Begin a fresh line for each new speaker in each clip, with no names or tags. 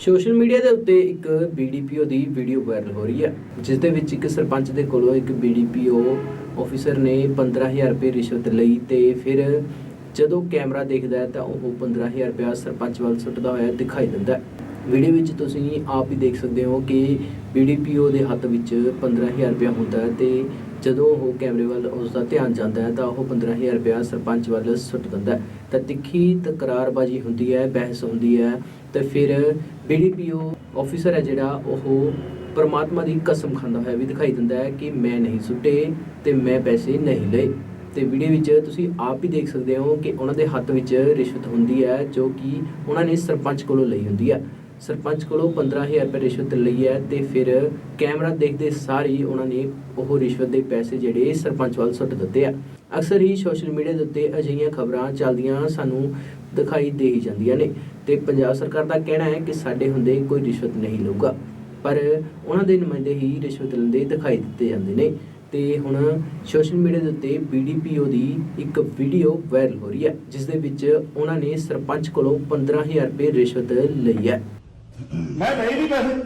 Social media ਦੇ ਉੱਤੇ ਇੱਕ ਬੀਡੀਪੀਓ ਦੀ ਵੀਡੀਓ ਵਾਇਰਲ ਹੋ ਰਹੀ ਹੈ, ਜਿਸ ਦੇ ਵਿੱਚ ਇੱਕ ਸਰਪੰਚ ਦੇ ਕੋਲੋਂ ਇੱਕ ਬੀਡੀਪੀਓ ਆਫੀਸਰ ਨੇ 15000 ਰੁਪਏ ਰਿਸ਼ਵਤ ਲਈ ਤੇ ਫਿਰ ਜਦੋਂ ਕੈਮਰਾ ਦੇਖਦਾ ਹੈ ਤਾਂ ਉਹ 15000 ਰੁਪਇਆ ਸਰਪੰਚ ਵੱਲ ਸੁੱਟਦਾ ਹੋਇਆ ਦਿਖਾਈ ਦਿੰਦਾ ਹੈ। ਵੀਡੀਓ ਵਿੱਚ ਤੁਸੀਂ ਆਪ ਹੀ ਦੇਖ ਸਕਦੇ ਹੋ ਕਿ ਬੀਡੀਪੀਓ ਦੇ ਹੱਥ ਵਿੱਚ 15000 ਰੁਪਇਆ ਹੁੰਦਾ ਹੈ ਤੇ ਜਦੋਂ ਉਹ ਕੈਮਰੇ ਵੱਲ ਉਸ ਦਾ ਧਿਆਨ ਜਾਂਦਾ ਹੈ ਤਾਂ ਉਹ 15000 ਰੁਪਇਆ ਸਰਪੰਚ ਵੱਲ ਸੁੱਟ ਦਿੰਦਾ ਹੈ। ਤਾਂ ਤਿੱਖੀ ਤਕਰਾਰਬਾਜ਼ੀ ਹੁੰਦੀ ਹੈ, ਬਹਿਸ ਹੁੰਦੀ ਹੈ ਤੇ ਫਿਰ ਬੀਡੀਪੀਓ ਆਫੀਸਰ ਹੈ ਜਿਹੜਾ ਉਹ ਪਰਮਾਤਮਾ ਦੀ ਕਸਮ ਖਾਂਦਾ ਹੋਇਆ ਵੀ ਦਿਖਾਈ ਦਿੰਦਾ ਹੈ ਕਿ ਮੈਂ ਨਹੀਂ ਸੁੱਟੇ ਤੇ ਮੈਂ ਪੈਸੇ ਨਹੀਂ ਲਏ। ਤੇ ਵੀਡੀਓ ਵਿੱਚ ਤੁਸੀਂ ਆਪ ਹੀ ਦੇਖ ਸਕਦੇ ਹੋ ਕਿ ਉਹਨਾਂ ਦੇ ਹੱਥ ਵਿੱਚ ਰਿਸ਼ਵਤ ਹੁੰਦੀ ਹੈ ਜੋ ਕਿ ਉਹਨਾਂ ਨੇ ਸਰਪੰਚ ਕੋਲੋਂ ਲਈ ਹੁੰਦੀ ਹੈ। ਸਰਪੰਚ ਕੋਲੋਂ 15000 ਰੁਪਏ ਰਿਸ਼ਵਤ ਲਈ ਹੈ ਤੇ ਫਿਰ ਕੈਮਰਾ ਦੇਖਦੇ ਸਾਰ ਹੀ ਉਹਨਾਂ ਨੇ ਉਹ ਰਿਸ਼ਵਤ ਦੇ ਪੈਸੇ ਜਿਹੜੇ ਸਰਪੰਚ ਵੱਲ ਸੁੱਟ ਦਿੱਤੇ ਆ। ਅਕਸਰ ਹੀ ਸੋਸ਼ਲ ਮੀਡੀਆ ਦੇ ਉੱਤੇ ਅਜਿਹੀਆਂ ਖਬਰਾਂ ਚੱਲਦੀਆਂ ਸਾਨੂੰ ਦਿਖਾਈ ਦੇ ਹੀ ਜਾਂਦੀਆਂ ਨੇ ਤੇ ਪੰਜਾਬ ਸਰਕਾਰ ਦਾ ਕਹਿਣਾ ਹੈ ਕਿ ਸਾਡੇ ਹੁੰਦੇ ਕੋਈ ਰਿਸ਼ਵਤ ਨਹੀਂ ਲਊਗਾ, ਪਰ ਉਹਨਾਂ ਦੇ ਨੁਮਾਇੰਦੇ ਹੀ ਰਿਸ਼ਵਤ ਲੈਂਦੇ ਦਿਖਾਈ ਦਿੱਤੇ ਜਾਂਦੇ ਨੇ। ਤੇ ਹੁਣ ਸੋਸ਼ਲ ਮੀਡੀਆ ਦੇ ਉੱਤੇ ਬੀਡੀਪੀਓ ਦੀ ਇੱਕ ਵੀਡੀਓ ਵਾਇਰਲ ਹੋ ਰਹੀ ਹੈ, ਜਿਸ ਦੇ ਵਿੱਚ ਉਹਨਾਂ ਨੇ ਸਰਪੰਚ ਕੋਲੋਂ 15000 ਰੁਪਏ ਰਿਸ਼ਵਤ ਲਈ ਹੈ।
ਮੈਂ ਨਹੀਂ ਵੀ ਪੈਸੇ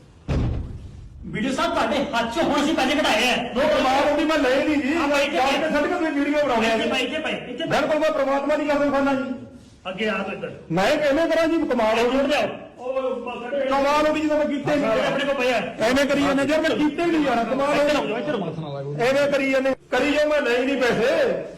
ਵੀਡੀਓ ਸਾਹਿਬ ਤੁਹਾਡੇ ਹੱਥ 'ਚ ਹੁਣ ਅਸੀਂ ਪੈਸੇ ਕਢਾਏ ਆ।
ਉਹ ਕਮਾਲ ਹੁੰਦੀ ਮੈਂ ਲਏ ਨਹੀਂ ਜੀ।
ਹਾਂ ਬਾਈ ਜੀ,
ਬਾਅਦ ਵਿੱਚ ਸੱਟ ਕੇ ਤੁਸੀਂ ਵੀਡੀਓ ਬਣਾਉਂਦੇ ਆ
ਇੱਥੇ
ਜੀ।
ਭਾਈ ਇੱਥੇ ਭਾਈ ਇੱਥੇ ਭਾਈ
ਬਿਲਕੁਲ ਮੈਂ ਪ੍ਰਮਾਤਮਾ ਦੀ ਕਸਮ ਖਾਨਾ ਜੀ।
ਅੱਗੇ ਆ ਤੋ ਇੱਧਰ
ਮੈਂ ਕਿਵੇਂ ਕਰਾਂ ਜੀ, ਕਮਾਲ ਹੋ
ਜੁੜ
ਗਈ।
ਜਾਓ। ਉਹ ਸਾਡੇ
ਕਮਾਲ ਹੋ ਗਈ ਜਦੋਂ ਮੈਂ ਕੀਤੇ ਨਹੀਂ।
ਆਪਣੇ ਕੋਲ ਪਿਆ
ਐਵੇਂ ਕਰੀ ਜਾਂਦੇ ਜਦ ਮੈਂ ਕੀਤੇ ਨਹੀਂ ਯਾਰ, ਕਮਾਲ ਹੋ ਗਈ।
ਇੱਧਰ ਮੱਥ ਨਾ ਲਾਗੋ।
ਐਵੇਂ ਕਰੀ ਜਾਂਦੇ ਕਰੀ ਜੋ ਮੈਂ ਲਏ ਨਹੀਂ ਪੈਸੇ।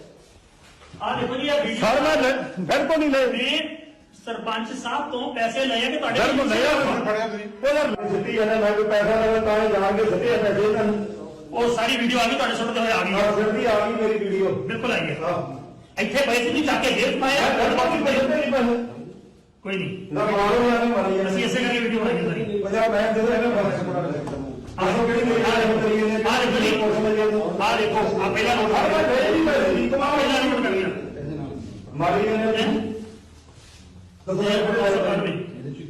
ਆ ਦੇਖੋ ਜੀ ਇਹ ਵੀਡੀਓ
ਸਰ ਮੈਂ ਬਿਲਕੁਲ ਨਹੀਂ ਲਏ।
ਨੇ ਸਰਪੰਚ ਸਾਹਿਬ ਤੋਂ ਪੈਸੇ ਲਏ ਆ ਕਿ ਤੁਹਾਡੇ
ਬਿਲਕੁਲ ਨਹੀਂ ਯਾਰ ਫੜਿਆ ਤੁਸੀਂ। ਉਹ ਯਾਰ ਸਿੱਧੀ ਜਾਂਦੇ ਮੈਂ ਕੋਈ ਪੈਸਾ ਲਵਾਂ ਤਾਂ ਹੀ ਜਾਣ ਕੇ ਸਿੱਧੇ ਪੈਸੇ ਇਹਨਾਂ ਨੂੰ।
ਉਹ ਸਾਰੀ ਵੀਡੀਓ ਆ ਗਈ ਤੁਹਾਡੇ ਸੁਣਦੇ ਹੋਏ ਆ ਗਈ
ਹਾਂ ਸਿੱਧੀ ਆ ਗਈ ਮੇਰੀ ਵੀਡੀਓ।
ਬਿਲਕੁਲ ਆਈ ਹੈ।
ਹਾਂ
ਇੱਥੇ ਪੈਸੇ ਨਹੀਂ ਚੱਕ ਕੇ ਜੇਬ ਪਾਏ ਆ।
ਮੈਂ ਬਾਕੀ ਪੈਸੇ ਨਹੀਂ ਪੈਸੇ
ਕੋਈ ਨਹੀਂ,
ਨਾ ਮਾਰੋ ਨਾ ਮਾਰੀ
ਅਸੀਂ ਇਸੇ ਕਰਕੇ ਵੀਡੀਓ ਬਣਾਈ ਹੈ ਸਾਰੀ।
ਪੰਜਾਬ ਮੈਂ ਜਦੋਂ ਇਹਨਾਂ ਬਾਰੇ ਆਸੋ ਕਿਹੜੀ ਮੇਰੀ ਗੱਲ ਕਰੀ ਨੇ
ਆ ਦੇਖੋ ਜੀ, ਆ ਦੇਖੋ ਆ ਪਹਿਲਾਂ ਨੋਟ
ਹਰ ਵਾਰ
ਕਰ
ਨਹੀਂ ਪੈਸੇ ਦੀ ਕਮਾਲ
ਪਹਿਲਾਂ ਨੋਟ ਕਰ ਲਿਆ।
ਮਾਰੀ ਨੇ ਦੱਸੋ
ਸਰਕਾਰ ਵੀ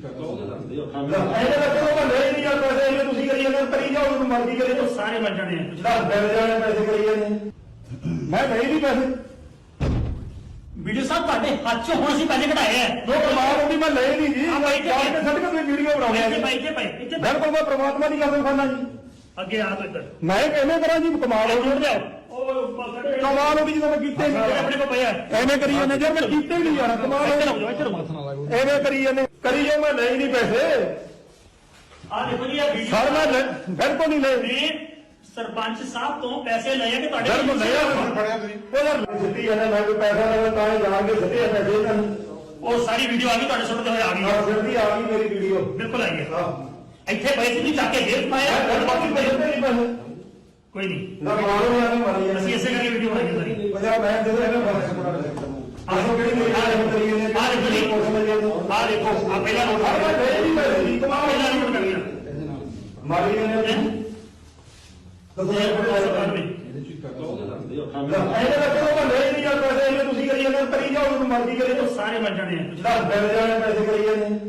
ਇਹਦੇ ਵਿੱਚ ਉਹ ਲੈ ਨਹੀਂ ਜਾਂਦੇ ਪੈਸੇ ਇਹਨੇ ਤੁਸੀਂ ਕਰੀ ਜਾਂਦੇ ਕਰੀ ਜਾਓ ਉਹਨੂੰ ਮਰਜ਼ੀ ਕਰੀ ਜਾਓ।
ਸਾਰੇ ਬਣ ਜਾਣੇ ਆ।
ਦਸ ਬਿਲ ਜਾਣੇ ਪੈਸੇ ਕਰੀ ਜਾਂਦੇ ਮੈਂ ਨਹੀਂ ਵੀ ਪੈਸੇ
ਵੀਡੀਓ ਸਾਹਿਬ ਤੁਹਾਡੇ ਹੱਥ 'ਚ ਹੁਣ ਅਸੀਂ ਪੈਸੇ ਕਢਾਏ ਆ।
ਉਹ ਕਮਾਲ ਹੁੰਦੀ ਮੈਂ ਲਏ ਨਹੀਂ ਜੀ।
ਹਾਂ ਬਾਈ ਜੀ,
ਬਾਅਦ ਵਿੱਚ ਸੱਟ ਕੇ ਤੁਸੀਂ ਵੀਡੀਓ ਬਣਾਉਂਦੇ ਆ
ਇੱਥੇ
ਜੀ।
ਭਾਈ ਇੱਥੇ ਭਾਈ ਇੱਥੇ ਭਾਈ
ਬਿਲਕੁਲ ਮੈਂ ਪ੍ਰਮਾਤਮਾ ਦੀ ਕਸਮ ਖਾਨਾ ਜੀ।
ਅੱਗੇ ਆ ਤੋ ਇੱਧਰ
ਮੈਂ ਕਿਵੇਂ ਕਰਾਂ ਜੀ, ਕਮਾਲ ਹੋ
ਜੁੜ
ਗਈ।
ਜਾਓ। ਉਹ ਸਾਡੇ
ਕਮਾਲ ਹੋ ਗਈ ਜਦੋਂ ਮੈਂ ਕੀਤੇ ਨਹੀਂ।
ਆਪਣੇ ਕੋਲ ਪਿਆ
ਐਵੇਂ ਕਰੀ ਜਾਂਦੇ ਜਦ ਮੈਂ ਕੀਤੇ ਨਹੀਂ ਯਾਰ, ਕਮਾਲ ਹੋ ਗਈ।
ਇੱਧਰ ਮੱਥ ਨਾ ਲਾਗੋ।
ਐਵੇਂ ਕਰੀ ਜਾਂਦੇ ਕਰੀ ਜੋ ਮੈਂ ਲਏ ਨਹੀਂ ਪੈਸੇ।
ਆ ਦੇਖੋ ਜੀ ਇਹ ਵੀਡੀਓ
ਸਰ ਮੈਂ ਬਿਲਕੁਲ ਨਹੀਂ ਲਏ।
ਨੇ ਸਰਪੰਚ ਸਾਹਿਬ ਤੋਂ ਪੈਸੇ ਲਏ ਆ ਕਿ ਤੁਹਾਡੇ
ਬਿਲਕੁਲ ਨਹੀਂ ਯਾਰ ਫੜਿਆ ਤੁਸੀਂ। ਉਹ ਯਾਰ ਸਿੱਧੀ ਜਾਂਦੇ ਮੈਂ ਕੋਈ ਪੈਸਾ ਲਵਾਂ ਤਾਂ ਹੀ ਜਾਣ ਕੇ ਸਿੱਧੇ ਪੈਸੇ ਇਹਨਾਂ ਨੂੰ।
ਉਹ ਸਾਰੀ ਵੀਡੀਓ ਆ ਗਈ ਤੁਹਾਡੇ ਸੁਣਦੇ ਹੋਏ ਆ ਗਈ
ਹਾਂ ਸਿੱਧੀ ਆ ਗਈ ਮੇਰੀ ਵੀਡੀਓ।
ਬਿਲਕੁਲ ਆਈ ਹੈ।
ਹਾਂ
ਇੱਥੇ ਪੈਸੇ ਨਹੀਂ ਚੱਕ ਕੇ ਜੇਬ ਪਾਏ ਆ।
ਮੈਂ ਬਾਕੀ ਪੈਸੇ ਨਹੀਂ ਪੈਸੇ
ਕੋਈ ਨਹੀਂ,
ਨਾ ਮਾਰੋ ਨਾ ਮਾਰੀ
ਅਸੀਂ ਇਸੇ ਕਰਕੇ ਵੀਡੀਓ ਬਣਾਈ ਹੈ ਸਾਰੀ।
ਪੰਜਾਬ ਮੈਂ ਜਦੋਂ ਇਹਨਾਂ ਬਾਰੇ ਆਸੋ ਕਿਹੜੀ ਮੇਰੀ ਗੱਲ ਕਰੀ ਨੇ
ਆ ਦੇਖੋ ਜੀ, ਆ ਦੇਖੋ ਆ ਪਹਿਲਾਂ ਨੋਟ
ਹਰ
ਕਰ
ਵਾਰ
ਲਿਆ।
ਨਹੀਂ ਪੈਸੇ ਦੀ ਕਮਾਲ
ਪਹਿਲਾਂ ਨੋਟ ਕਰ ਲਿਆ।
ਮਾਰੀ ਨੇ ਦੱਸੋ
ਸਰਕਾਰ ਵੀ
ਇਹਦੇ ਵਿੱਚ ਉਹ ਲੈ ਨਹੀਂ ਜਾਂਦੇ ਪੈਸੇ ਇਹਨੇ ਤੁਸੀਂ ਕਰੀ ਜਾਂਦੇ ਕਰੀ ਜਾਓ ਉਹਨੂੰ ਮਰਜ਼ੀ ਕਰੀ ਜਾਓ।
ਸਾਰੇ ਬਣ ਜਾਣੇ ਆ।
ਦਸ ਬਿਲ ਜਾਣੇ ਪੈਸੇ ਕਰੀ ਜਾਂਦੇ